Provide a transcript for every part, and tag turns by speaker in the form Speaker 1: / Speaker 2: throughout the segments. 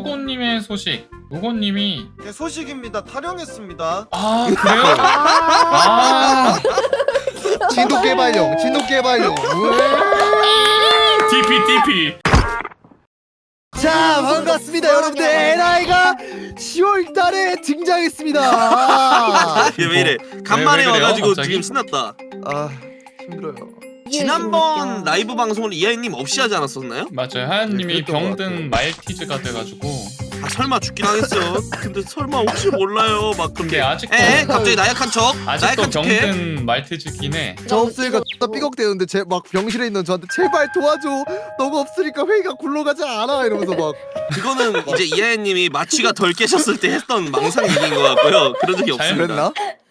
Speaker 1: 우고님의 소식. 우고님이
Speaker 2: 네, 소식입니다. 탈영했습니다.
Speaker 1: 아 그래요? 아
Speaker 3: 진돗 개발용, 진돗 개발용.
Speaker 1: DP.
Speaker 3: 자, 반갑습니다, 여러분들. NI가 10월달에 등장했습니다.
Speaker 4: 이게 왜 이래? 간만에
Speaker 1: 왜 그래요,
Speaker 4: 와가지고
Speaker 1: 갑자기?
Speaker 4: 지금 신났다.
Speaker 3: 아, 힘들어요.
Speaker 4: 지난번 라이브 방송을 이하이님 없이 하지 않았었나요?
Speaker 1: 맞아요. 하연님이
Speaker 3: 네, 그랬던 것
Speaker 1: 병든 말티즈가 돼가지고.
Speaker 4: 아 설마 죽긴 하겠어요. 근데 설마 혹시 몰라요. 막
Speaker 1: 근데
Speaker 4: 그렇게.
Speaker 1: 아직도
Speaker 4: 갑자기 나약한 척.
Speaker 1: 아직도
Speaker 4: 나약한 척해.
Speaker 1: 병든 말티즈긴 해.
Speaker 3: 저 없으니까 나 삐걱대는데 제 막 병실에 있는 저한테 제발 도와줘. 너가 없으니까 회의가 굴러가지 않아 이러면서 막.
Speaker 4: 그거는 이제 이하이님이 마취가 덜 깨셨을 때 했던 망상 얘기인 것 같고요. 그런 적이
Speaker 1: 잘
Speaker 4: 없습니다.
Speaker 3: 그랬나?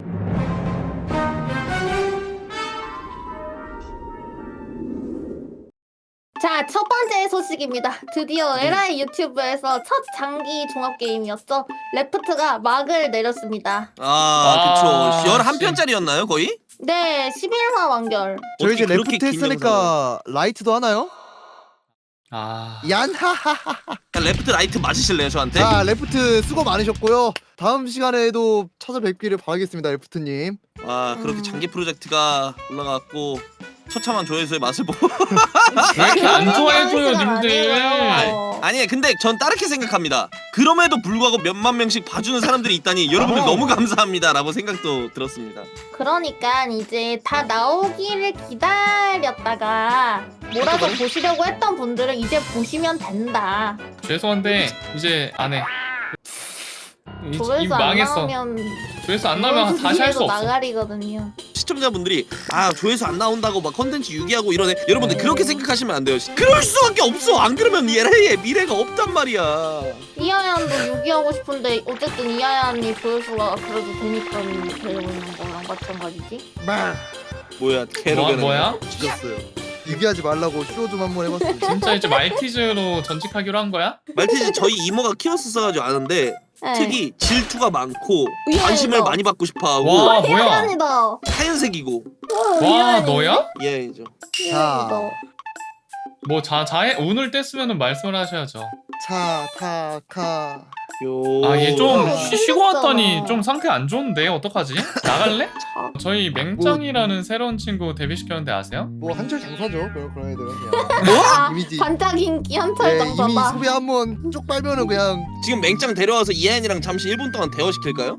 Speaker 5: 자, 첫 번째 소식입니다. 드디어 LI 유튜브에서 첫 장기 종합 게임이었죠. 레프트가 막을 내렸습니다.
Speaker 4: 아, 그쵸.
Speaker 1: 아,
Speaker 4: 11편짜리였나요, 거의?
Speaker 5: 네, 11화 완결.
Speaker 3: 저희 이제
Speaker 4: 어떻게 그렇게
Speaker 3: 레프트
Speaker 4: 긴
Speaker 3: 했으니까 라이트도 하나요?
Speaker 1: 아
Speaker 3: 얀하하하.
Speaker 4: 그냥 레프트 라이트 맞으실래요, 저한테?
Speaker 3: 자, 레프트 수고 많으셨고요. 다음 시간에도 찾아뵙기를 바라겠습니다, 레프트님.
Speaker 4: 아, 그렇게 장기 프로젝트가 올라갔고 처참한 조회수의 맛을 보고
Speaker 1: 왜 이렇게 안 좋아해줘요 님들.
Speaker 4: 아니 근데 전 다르게 생각합니다. 그럼에도 불구하고 몇만 명씩 봐주는 사람들이 있다니 여러분들 너무 감사합니다 라고 생각도 들었습니다.
Speaker 5: 그러니까 이제 다 나오기를 기다렸다가 몰아서 보시려고 했던 분들은 이제 보시면 된다.
Speaker 1: 죄송한데 이제 안 해. 이
Speaker 5: 조회수 안
Speaker 1: 망했어.
Speaker 5: 나오면
Speaker 1: 조회수 안 나오면 다시 할 수 없어.
Speaker 5: 나가리거든요.
Speaker 4: 시청자분들이 아 조회수 안 나온다고 막 컨텐츠 유기하고 이러네. 여러분들 그렇게 생각하시면 안 돼요. 그럴 수밖에 없어. 안 그러면 얘의 미래가 없단 말이야.
Speaker 5: 이하얀도 유기하고 싶은데 어쨌든 이하얀이 조회수가 그래도 되니까 되고 있는 거랑 마찬가지지.
Speaker 4: 뭐야 개로변
Speaker 1: 뭐야?
Speaker 3: 죽였어요. 유기하지 말라고 쇼 좀 한번 해봤습니다.
Speaker 1: 진짜 이제 말티즈로 전직하기로 한 거야?
Speaker 4: 말티즈 저희 이모가 키웠었어가지고 아는데
Speaker 5: 네.
Speaker 4: 특히 질투가 많고
Speaker 5: 위안이다.
Speaker 4: 관심을 많이 받고 싶어하고
Speaker 1: 와 뭐야?
Speaker 5: 이하얀이다.
Speaker 4: 하얀색이고
Speaker 1: 와 너야?
Speaker 4: 예죠.
Speaker 5: 이하얀이다.
Speaker 1: 뭐 자해 운을 뗐으면은 말씀을 하셔야죠.
Speaker 3: 차, 타, 카.
Speaker 1: 아 얘 좀
Speaker 5: 어,
Speaker 1: 쉬고 왔더니 좀 상태 안 좋은데 어떡하지? 나갈래?
Speaker 5: 자,
Speaker 1: 저희 맹짱이라는 새로운 친구 데뷔시켰는데 아세요?
Speaker 3: 뭐 한철 장사죠. 그런 애들은 그냥.
Speaker 5: 아,
Speaker 3: 이미지.
Speaker 5: 반짝 인기 한철
Speaker 3: 네, 이미
Speaker 5: 장사다.
Speaker 3: 소비 한번 쪽 빨면은 그냥.
Speaker 4: 지금 맹짱 데려와서 이하연이랑 잠시 1분 동안 대화시킬까요?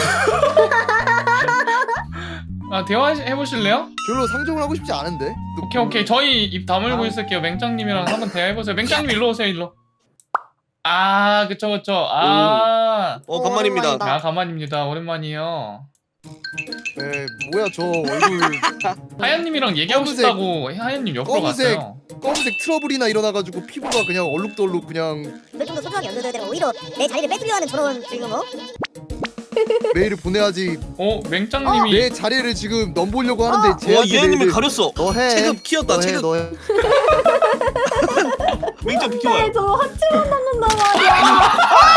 Speaker 1: 아 대화해보실래요?
Speaker 3: 별로 상종을 하고 싶지 않은데.
Speaker 1: 오케이 저희 입 다물고
Speaker 3: 아.
Speaker 1: 있을게요. 맹짱님이랑 한번 대화해보세요. 맹짱님 일로 오세요 일로. 아 그쵸 아
Speaker 4: 간만입니다.
Speaker 5: 오랜만이다.
Speaker 1: 아 가만입니다. 오랜만이에요.
Speaker 3: 네, 뭐야 저 얼굴
Speaker 1: 하얀님이랑 얘기하고
Speaker 3: 검은색-
Speaker 1: 싶다고 하얀님 옆으로
Speaker 3: 검은색.
Speaker 1: 갔어요.
Speaker 3: 검은색 트러블이나 일어나가지고 피부가 그냥 얼룩덜룩 그냥
Speaker 6: 그럴 정도 소중하게 연결되다가 오히려 내 자리를 뺏으려 하는 저런 지금
Speaker 3: 메일을 보내야지.
Speaker 1: 맹짱님이
Speaker 3: 내 자리를 지금 넘보려고 하는데 쟤한테
Speaker 4: 이하연님을
Speaker 3: 메일을
Speaker 4: 가렸어.
Speaker 3: 너해.
Speaker 4: 체급 키웠다.
Speaker 3: 너해
Speaker 4: 체급.
Speaker 3: 너해.
Speaker 4: 맹짱 비켜봐요.
Speaker 5: 네, 저 하체만 남는단 말이야.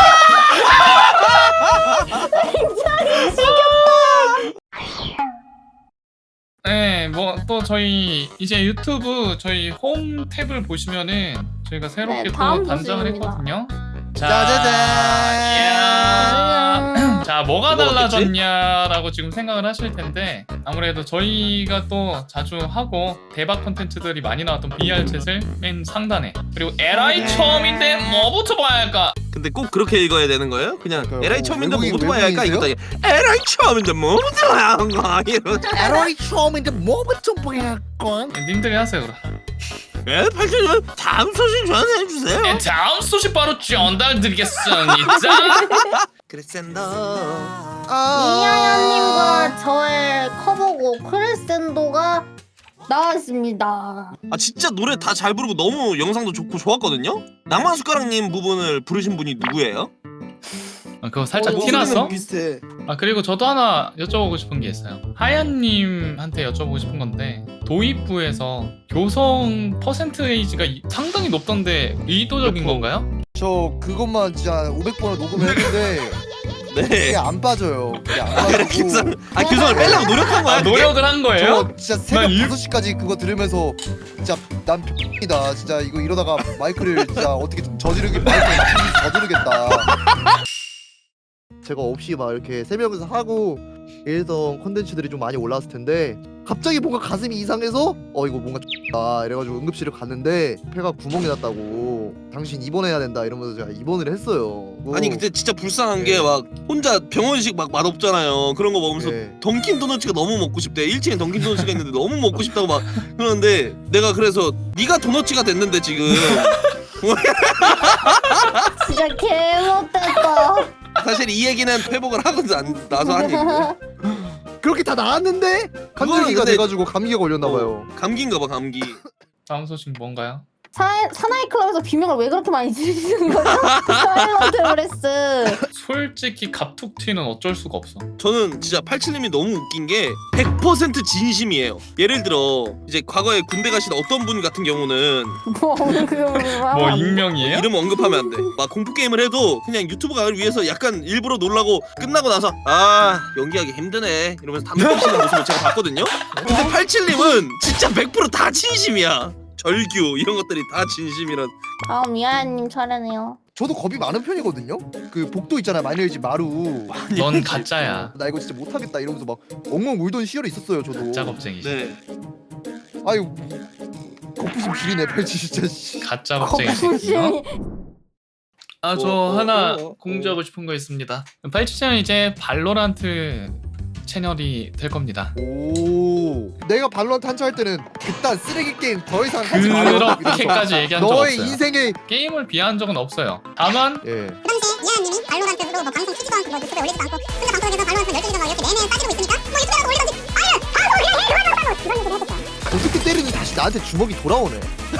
Speaker 1: 네, 뭐 또 저희 이제 유튜브 저희 홈 탭을 보시면은 저희가 새롭게
Speaker 5: 네,
Speaker 1: 또
Speaker 5: 다음
Speaker 1: 단장을
Speaker 5: 소식입니다.
Speaker 1: 했거든요.
Speaker 3: 짜자잔.
Speaker 1: 자, 뭐가
Speaker 4: 뭐가
Speaker 1: 달라졌냐라고 지금 생각을 하실 텐데 아무래도 저희가 또 자주 하고 대박 콘텐츠들이 많이 나왔던 VR 챗을 맨 상단에 그리고 LI 처음인데 뭐부터 봐야 할까?
Speaker 4: 근데 꼭 그렇게 읽어야 되는 거예요? 그냥
Speaker 3: 그러니까요.
Speaker 4: LI 처음인데
Speaker 3: 외국인-
Speaker 4: 뭐부터 봐야 할까?
Speaker 3: 외국인이세요?
Speaker 4: 이거 LI 처음인데 뭐부터 봐야 할까? 이런.
Speaker 3: 에러이 처음인데 뭐부터 보야 건?
Speaker 1: 님들이 하세요 그럼.
Speaker 4: 네, 팔촌 다음 소식 전해 주세요.
Speaker 1: 네, 다음 소식 바로 전달드리겠습니다.
Speaker 4: 크리센더.
Speaker 5: 이하얀님과 저의 커버곡 크레센도가 나왔습니다.
Speaker 4: 아 진짜 노래 다 잘 부르고 너무 영상도 좋고 좋았거든요. 낭만 숟가락님 부분을 부르신 분이 누구예요?
Speaker 1: 아, 그거 살짝
Speaker 3: 목소리는
Speaker 1: 티났어?
Speaker 3: 비슷해.
Speaker 1: 아 그리고 저도 하나 여쭤보고 싶은 게 있어요. 하얀님한테 여쭤보고 싶은 건데 도입부에서 교성 퍼센테이지가 상당히 높던데 의도적인 건가요?
Speaker 3: 저 그것만 진짜 500번을 녹음했는데
Speaker 4: 네.
Speaker 3: 그게 안 빠져요. 그게 안 빠지고.
Speaker 4: 교성, 교성을 빼려고 노력한 거야?
Speaker 1: 아, 노력을 한 거예요?
Speaker 3: 저 진짜 새벽
Speaker 1: 난
Speaker 3: 5시까지 그거 들으면서 진짜 난 X이다. 진짜 이거 이러다가 마이크를 진짜 어떻게 좀 저지르게 마이크를 저지르겠다. 제가 없이 막 이렇게 3명이서 하고 이랬던 컨텐츠들이 좀 많이 올라왔을 텐데 갑자기 뭔가 가슴이 이상해서 이거 뭔가 X다 이래가지고 응급실을 갔는데 폐가 구멍이 났다고 당신 입원해야 된다 이러면서 제가 입원을 했어요.
Speaker 4: 아니 근데 진짜 불쌍한
Speaker 3: 예.
Speaker 4: 게 막 혼자 병원식 막 맛없잖아요. 그런 거 먹으면서
Speaker 3: 예.
Speaker 4: 던킨 도너츠가 너무 먹고 싶대. 1층에 던킨 도너츠가 있는데 너무 먹고 싶다고 막 그러는데 내가 그래서 네가 도너츠가 됐는데 지금
Speaker 5: 진짜 개못됐다.
Speaker 4: 사실 이 얘기는 회복을 하고 나서 한 얘기인데
Speaker 3: 그렇게 다 나았는데 감기가
Speaker 4: 근데-
Speaker 3: 돼가지고 감기가 걸렸나봐요.
Speaker 4: 감기인가 봐 감기.
Speaker 1: 다음 소식 뭔가요?
Speaker 5: 사나이 클럽에서 비명을 왜 그렇게 많이 지르시는 거죠? 사일런트 브레스.
Speaker 1: 솔직히 갑툭 튀는 어쩔 수가 없어.
Speaker 4: 저는 진짜 87님이 너무 웃긴 게 100% 진심이에요. 예를 들어 이제 과거에 군대 가신 어떤 분 같은 경우는
Speaker 1: 뭐 익명이에요?
Speaker 4: 이름 언급하면 안 돼. 막 공포 게임을 해도 그냥 유튜브 가을 위해서 약간 일부러 놀라고 끝나고 나서 아 연기하기 힘드네 이러면서 담배 피시는 모습을 제가 봤거든요. 근데 87님은 진짜 100% 다 진심이야. 절규 이런 것들이 다 진심이란.
Speaker 5: 미아님 차례네요.
Speaker 3: 저도 겁이 많은 편이거든요. 그 복도 있잖아요. 마녀의 집 마루.
Speaker 1: 넌 가짜야.
Speaker 3: 나 이거 진짜 못하겠다 이러면서 막 엉엉 울던 시절이 있었어요. 저도.
Speaker 1: 가짜 겁쟁이지.
Speaker 4: 네.
Speaker 3: 아유 거푸심 지리네 87 진짜. 씨.
Speaker 1: 가짜 겁쟁이지. 아 저 하나 공지하고 싶은 거 있습니다. 87채널 이제 발로란트 채널이 될 겁니다.
Speaker 3: 오. 내가 발로란트 한차 할 때는 그딴 쓰레기 게임 더 이상 하지 말라고.
Speaker 1: 그렇게까지 얘기한 적
Speaker 3: 너의
Speaker 1: 없어요.
Speaker 3: 인생의
Speaker 1: 게임을 비하한 적은 없어요. 다만
Speaker 3: 예.
Speaker 6: 그 당시에 이하연님이 발로란트로 뭐 방송 키지도 않고 뭐 유튜브에 올리지도 않고 혼자 방송에서 발로란트 열정이라고 이렇게 내내 따지고 있으니까 뭐 유튜브에 올리던지 이런 얘기를 했었죠.
Speaker 3: 어떻게 때리는 다시 나한테 주먹이 돌아오네.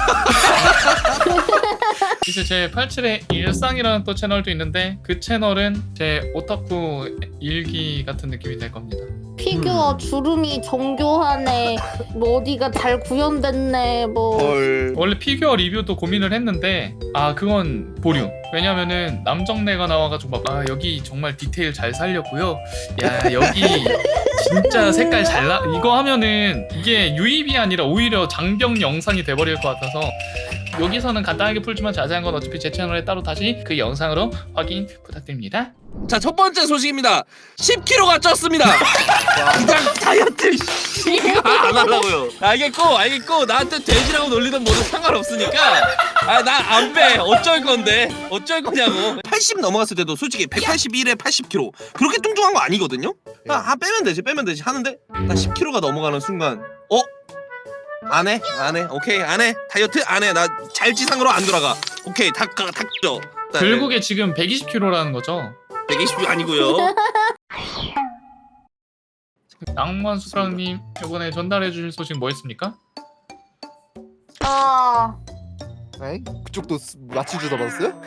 Speaker 1: 이제 제 87의 일상이라는 또 채널도 있는데 그 채널은 제 오타쿠 일기 같은 느낌이 될 겁니다.
Speaker 5: 피규어 주름이 정교하네. 뭐 어디가 잘 구현됐네. 뭐.
Speaker 4: 헐.
Speaker 1: 원래 피규어 리뷰도 고민을 했는데 그건 보류. 왜냐면은 남정네가 나와가지고 막 여기 정말 디테일 잘 살렸고요. 야 여기 진짜 색깔 잘 나. 이거 하면은 이게 유입이 아니라 오히려 장병 영상이 돼버릴 것 같아서 여기서는 간단하게 풀지만 자세한 건 어차피 제 채널에 따로 다시 그 영상으로 확인 부탁드립니다.
Speaker 4: 자, 첫 번째 소식입니다. 10kg가 쪘습니다. 그냥 다이어트 안 하려고요. 알겠고 나한테 돼지라고 놀리던 뭐든 상관없으니까 나 안 빼. 어쩔 건데 어쩔 거냐고. 80 넘어갔을 때도 솔직히 181에 80kg 그렇게 뚱뚱한 거 아니거든요. 빼면 되지 하는데 나 10kg가 넘어가는 순간 안 해. 오케이 안 해. 다이어트 안 해. 나 잘지상으로 안 돌아가. 오케이 다 쪄.
Speaker 1: 결국에 지금 120kg라는 거죠.
Speaker 4: 120 아니고요.
Speaker 1: 낭만 수프랑님 이번에 전달해 주실 소식 뭐 있습니까?
Speaker 3: 에이? 그쪽도 마취 주다 받았어요?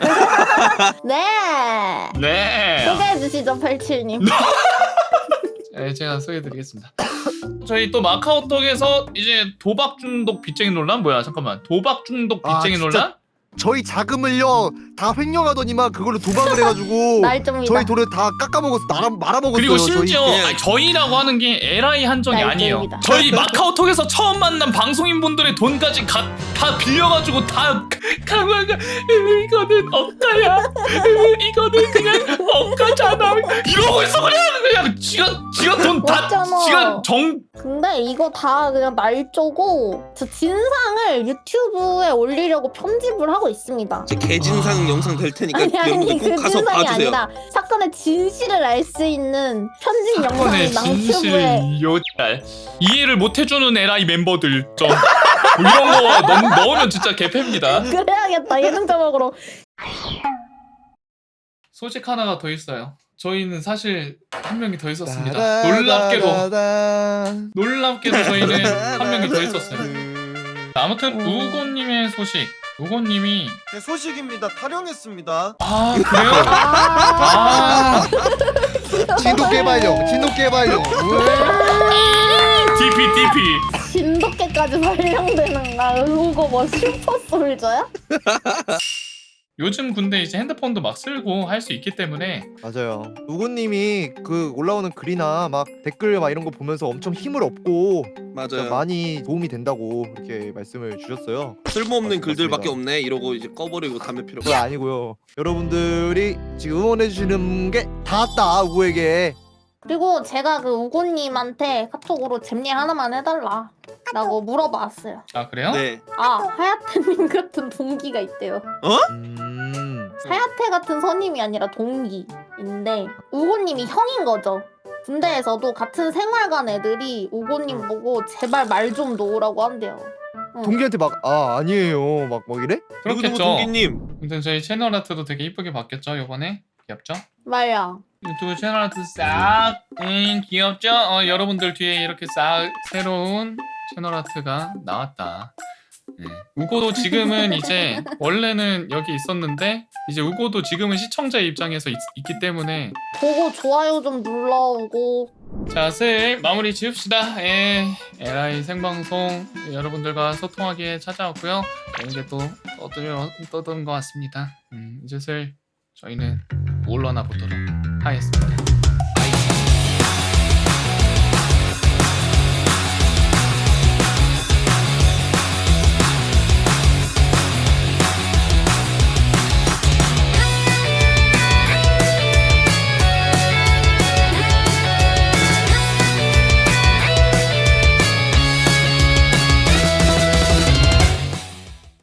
Speaker 5: 네.
Speaker 1: 네.
Speaker 5: 소개해 주시죠, 87님.
Speaker 1: 네, 제가 소개해드리겠습니다. 저희 또 마카오톡에서 이제 도박 중독 빚쟁이 논란 뭐야? 잠깐만. 도박 중독 빚쟁이
Speaker 3: 진짜
Speaker 1: 논란?
Speaker 3: 저희 자금을요 다 횡령하더니만 그걸로 도박을 해가지고
Speaker 5: 날좀이다.
Speaker 3: 저희 돈을 다 깎아먹어서 말아먹었어요.
Speaker 1: 그리고 심지어
Speaker 3: 저희.
Speaker 1: 저희라고 하는 게 LI 한정이 아니에요.
Speaker 5: 날개입니다.
Speaker 1: 저희 마카오톡에서 처음 만난 방송인분들의 돈까지 다 빌려가지고 다 강화가 이거는 억가야. 이거는 그냥 억가잖아. 이러고 있어 그냥 지가 돈 다
Speaker 5: 맞잖아.
Speaker 1: 지가 정
Speaker 5: 근데 이거 다 그냥 날조고 저 진상을 유튜브에 올리려고 편집을 하고 있습니다.
Speaker 4: 제 개진상 영상 될 테니까
Speaker 5: 아니
Speaker 4: 여러분들 꼭
Speaker 5: 그
Speaker 4: 가서
Speaker 5: 진상이
Speaker 4: 봐주세요.
Speaker 5: 아니라 사건의 진실을 알 수 있는 편집
Speaker 1: 사건의
Speaker 5: 영상이
Speaker 1: 진실
Speaker 5: 낭튜브에
Speaker 1: 요잘 이해를 못해주는 LI 멤버들 좀 뭐 이런 거 넣으면 진짜 개패입니다.
Speaker 5: 그래야겠다 예능 자막으로.
Speaker 1: 소식 하나가 더 있어요. 저희는 사실 한 명이 더 있었습니다. 놀랍게도 저희는 한 명이 더 있었어요. 아무튼 우고님의 소식. 우고님이
Speaker 2: 네, 소식입니다. 탈영했습니다.
Speaker 1: 그래요?
Speaker 3: 진돗 개발용.
Speaker 1: DP
Speaker 5: 진돗개까지 발령되는 나 이거 뭐 슈퍼솔저야?
Speaker 1: 요즘 근데 이제 핸드폰도 막 쓸고 할 수 있기 때문에
Speaker 3: 맞아요. 우고님이 그 올라오는 글이나 막 댓글 막 이런 거 보면서 엄청 힘을 얻고 진짜
Speaker 4: 맞아요.
Speaker 3: 많이 도움이 된다고 그렇게 말씀을 주셨어요.
Speaker 4: 쓸모없는 글들밖에
Speaker 3: 맞습니다.
Speaker 4: 없네 이러고 이제 꺼버리고 담배 피러.
Speaker 3: 그거 아니고요. 여러분들이 지금 응원해 주시는 게 닿았다 우고에게.
Speaker 5: 그리고 제가 그 우고님한테 카톡으로 잼리 하나만 해달라 라고 물어봤어요.
Speaker 1: 아 그래요?
Speaker 4: 네.
Speaker 5: 아 하야테님 같은 동기가 있대요. 하야테 같은 선임이 아니라 동기인데 우고님이 형인 거죠. 군대에서도 같은 생활관 애들이 우고님 보고 제발 말 좀 놓으라고 한대요.
Speaker 3: 동기한테 막 아니에요 막 이래?
Speaker 4: 누구누구
Speaker 1: 그렇겠죠.
Speaker 4: 동기님.
Speaker 1: 아무튼 저희 채널 아트도 되게 이쁘게 바뀌었죠 요번에. 귀엽죠?
Speaker 5: 말야.
Speaker 1: 유튜브 채널 아트 싹 귀엽죠? 여러분들 뒤에 이렇게 싹 새로운 채널 아트가 나왔다. 네. 우고도 지금은 이제 원래는 여기 있었는데 이제 우고도 지금은 시청자의 입장에서 있기 때문에
Speaker 5: 보고 좋아요 좀 눌러오고.
Speaker 1: 자, 슬 마무리 지읍시다. LI 생방송 여러분들과 소통하기에 찾아왔고요. 이제 또 떠든 것 같습니다. 이제 슬 저희는 물러나 보도록 하겠습니다.